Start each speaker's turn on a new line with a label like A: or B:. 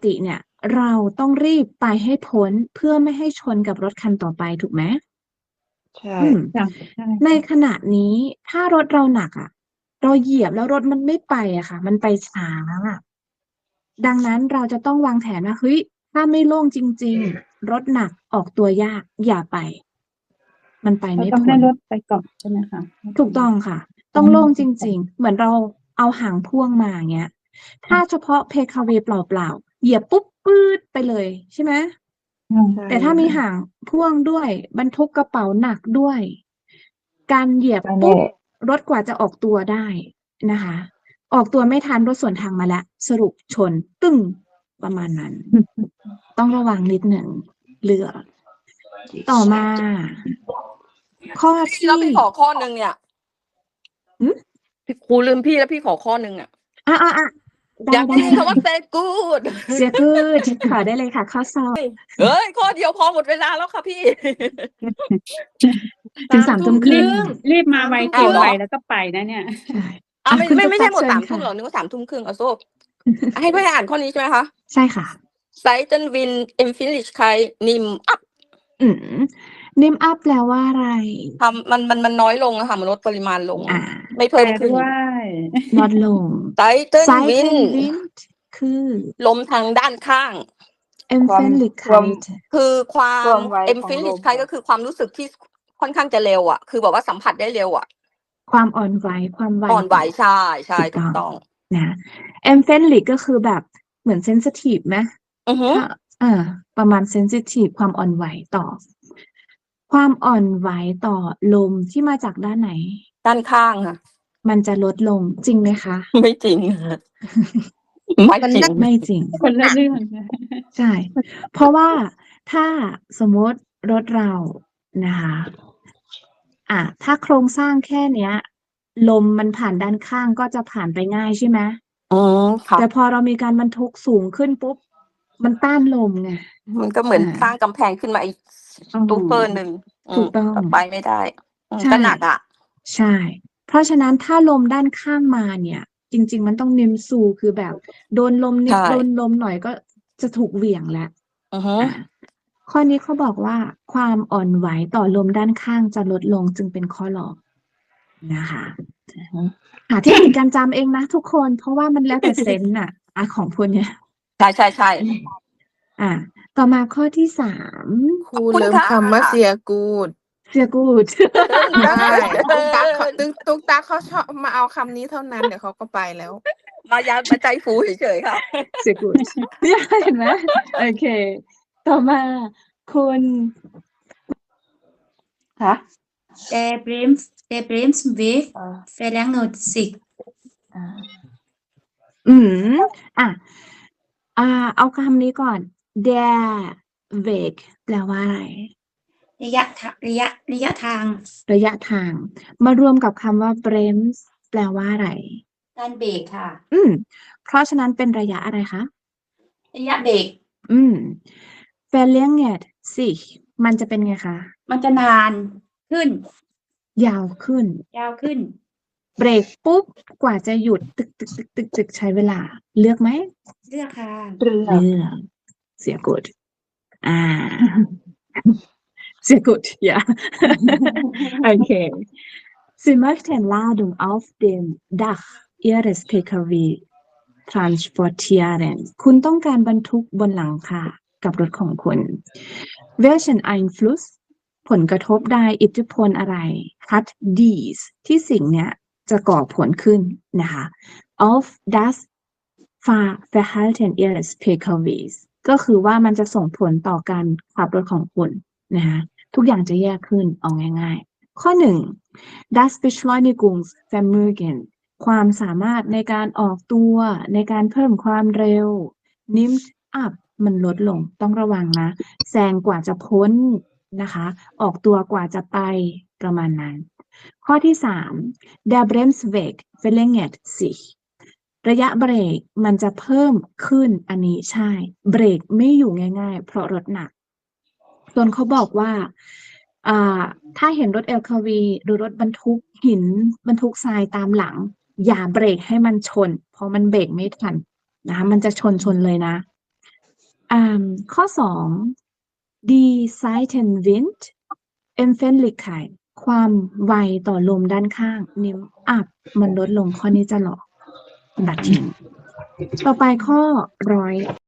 A: ติเนี่ย เราต้องรีบไปให้พ้นเพื่อไม่ให้ชนกับรถคันต่อไปถูกไหม
B: ใช่
A: อืม
C: จ้ะใช่
A: ในขณะนี้ถ้ารถเราหนักอ่ะ เราเหยียบแล้วรถมันไม่ไปอะค่ะ มันไปช้าอะดังนั้นเราจะต้องวางแผนว่าเฮ้ยถ้าไม่โล่งจริง ๆ รถหนักออกตัวยากอย่าไป มันไป
C: เรา
A: ไม่
C: ต้อง
A: พ้
C: ให้
A: น
C: รถไปก่อนใช่ไหมคะ
A: ถูกต้องค่ะ ต้องโล่งจริง ๆ เหมือนเราเอาหางพ่วงมาอย่างเงี้ย ถ้าเฉพาะเพคาเวย์เปล่าๆเหยียบปุ๊บปื๊ดไปเลยใช่ไหม
C: อืม
B: ใช่
A: แต่ถ้ามีหางพ่วงด้วยบรรทุกกระเป๋าหนักด้วย การเหยียบ
B: ไปแน่
A: ปุ๊บรถกว่าจะออกตัวได้นะคะ ออกตัวไม่ทันรถสวนทางมาแล้วสรุปชนตึ้งประมาณนั้น ต้องระวังนิดหนึ่งเรือ ต่อมา ข้อ
D: แล้ว
A: ที่
D: พี่ขอข้อหนึ่งเนี่ย
A: หืม
D: พี่ครูลืมพี่แล้วพี่ขอข้อหนึ่งอ่ะ
A: ได้
D: อยากได้ยิน
A: ได้
D: คำว่า say good
A: เสียกูดขอได้เลยค่ะ ข้อสอบ
D: เอ้ย ข้อเดียวพอหมดเวลาแล้วค่ะพี่
A: ถึงสามทุ่มครึ่ง
C: รีบมาไว
D: อ้า
C: เกิ
D: วน เหรอ
C: ไปแล้วก็ไปนะเนี่ย
A: ใช่
D: อ่ะ
A: อ่ะ
D: ไม่
A: คุณ
D: ไม่
A: ตุ๊ก
D: ไม่
A: ตา
D: ใช่หมด
A: เชิญ
D: 3 ทุ่ม
A: ค่ะ
D: เหรอนึกว่า 3 ทุ่มครึ่งเอาโซ่ ให้เพื่อนอ่านข้อนี้ใช่ไหมคะ
A: ใช่ค่ะ
D: Seiten Wind Empfindlichkeit nimmt ab
A: นิมอัพแปลว่าอะไร
D: มันน้อยลงอะค่ะ มันลดปริมาณลง
A: อ่า
D: ไม่
C: แป
D: เพิ่
C: ล
D: มขึ้น
C: ด้วย
A: ลดลง
D: Seiten
A: Seiten
D: Wind
A: Wind คือ
D: ลมทางด้านข้าง
B: ความ
A: Empfindlichkeit
D: คือความ
B: ความไวของลม
D: Empfindlichkeit ก็คือความรู้สึกที่ค่อนข้างจะเร็วอ่ะ คือแบบว่าสัมผัสได้เร็วอ่ะ
A: ความอ่อนไหวความไว
D: อ่อนไหว
A: ต่อ
D: ใช่ใช่
A: ถู
D: ถู
A: ก
D: ก
A: ต้
D: ต้
A: อ
D: อง ง
A: นะ Empfindlich ก็คือแบบเหมือน sensitive ไหม
D: อือฮึ
A: ถ้าประมาณ sensitive ความอ่อนไหวต่อ ความอ่อนไหวต่อลมที่มาจากด้านไหน
D: ด้านข้างค่ะ
A: มันจะลดลงจริงไหมคะ
D: ไม่จริงค่ะ ไม่จริง
A: ไม่จริง
C: คนละเรื่องนะ
A: ใช่ เพราะว่าถ้าสมมติรถเรานะคะถ้าโครงสร้างแค่เนี้ย ลมมันผ่านด้านข้างก็จะผ่านไปง่ายใช่ไหม
D: ค่ะ
A: แต่พอเรามีการบรรทุกสูงขึ้นปุ๊บ มันต้านลมไง
D: มันก็เหมือน
A: อ่า
D: สร้างกำแพงขึ้นมาอีกตู้เฟอร์หนึ่ง
A: ถูกต้อง
D: ไปไม่ได้
A: ใช่
D: ก็หนักอ่ะ
A: ใช่ เพราะฉะนั้นถ้าลมด้านข้างมาเนี่ย จริง ๆ มันต้องนิมซูคือแบบโดนลมนิด
D: ใช่
A: โดนลมหน่อยก็จะถูกเหวี่ยงแล้ว
D: อือฮึ
A: ข้อนี้เขาบอกว่าความอ่อนไหวต่อลมด้านข้างจะลดลงจึงเป็นข้อหลอกนะคะหาเทคนิคการจำเองนะทุกคน เพราะว่ามันแล้วแต่เซนส์ของพวกเนี้ย
D: ใช่ใช่ใช่
A: ต่อมาข้อที่
B: ครูลืมคำว่าเสียกูด
A: 3 เสียกูด
B: ใช่ตุ๊กตาเขาชอบมาเอาคำนี้เท่านั้นเดี๋ยวเขาก็ไปแล้ว
D: มายามาใจฟูเฉยๆค่ะ
A: เสียกูดเห็นไหมโอเค ต่อมาคุณ
E: Der Bremsweg verlängert sich
A: เอาคำนี้ก่อน der Weg แปลว่าอะไร
E: ระยะทาง
A: ระยะทาง มารวมกับคำว่า brems แปลว่าอะไร
E: การเบรกค่ะ
A: เพราะฉะนั้นเป็นระยะอะไรคะ
E: ระยะเบรก
A: verlängert sich มันจะเป็นไงคะ
E: มันจะนานขึ้น
A: ยาวขึ้น
E: ยาวขึ้น
A: เบรกปุ๊บ กว่าจะหยุดตึกใช้เวลา เลือกไหม
E: เลือกค่ะ
A: เลือกเสียกดเสียกดja โอเค Sie möchten Ladung auf dem Dach Ihres PKW transportieren คุณต้องการบรรทุกบนหลังคากับรถของคุณ Welchen Einfluss ผลกระทบใดอิทธิพลอะไร hat dies ที่สิ่งเนี้ยจะก่อผลขึ้นนะคะ auf das Fahrverhalten Ihres PKWs ก็คือว่ามันจะส่งผลต่อการขับรถของคุณนะคะทุกอย่างจะแยกขึ้นเอาง่ายๆ ข้อ 1 das Beschleunigungsvermögen ความสามารถในการออกตัวในการเพิ่มความเร็ว nimmt up มันลดลงต้องระวังนะแซงกว่าจะพ้นนะคะออกตัวกว่าจะไปประมาณนั้น ข้อที่ 3 der Bremsweg verlängert sich ระยะเบรกมันจะเพิ่มขึ้นอันนี้ใช่เบรกไม่อยู่ง่ายๆเพราะรถหนักส่วนเขาบอกว่าถ้าเห็นรถ LKV หรือรถบรรทุกหินบรรทุกทรายตามหลังอย่าเบรกให้มันชนเพราะมันเบรกไม่ทันนะคะมันจะชนเลยนะข้อ 2 Die Seitenwind Empfindlichkeit ความไวต่อลมด้านข้าง nimmt ab มันลดลงข้อนี้จะหลอกตัดทิ้งต่อไปข้อ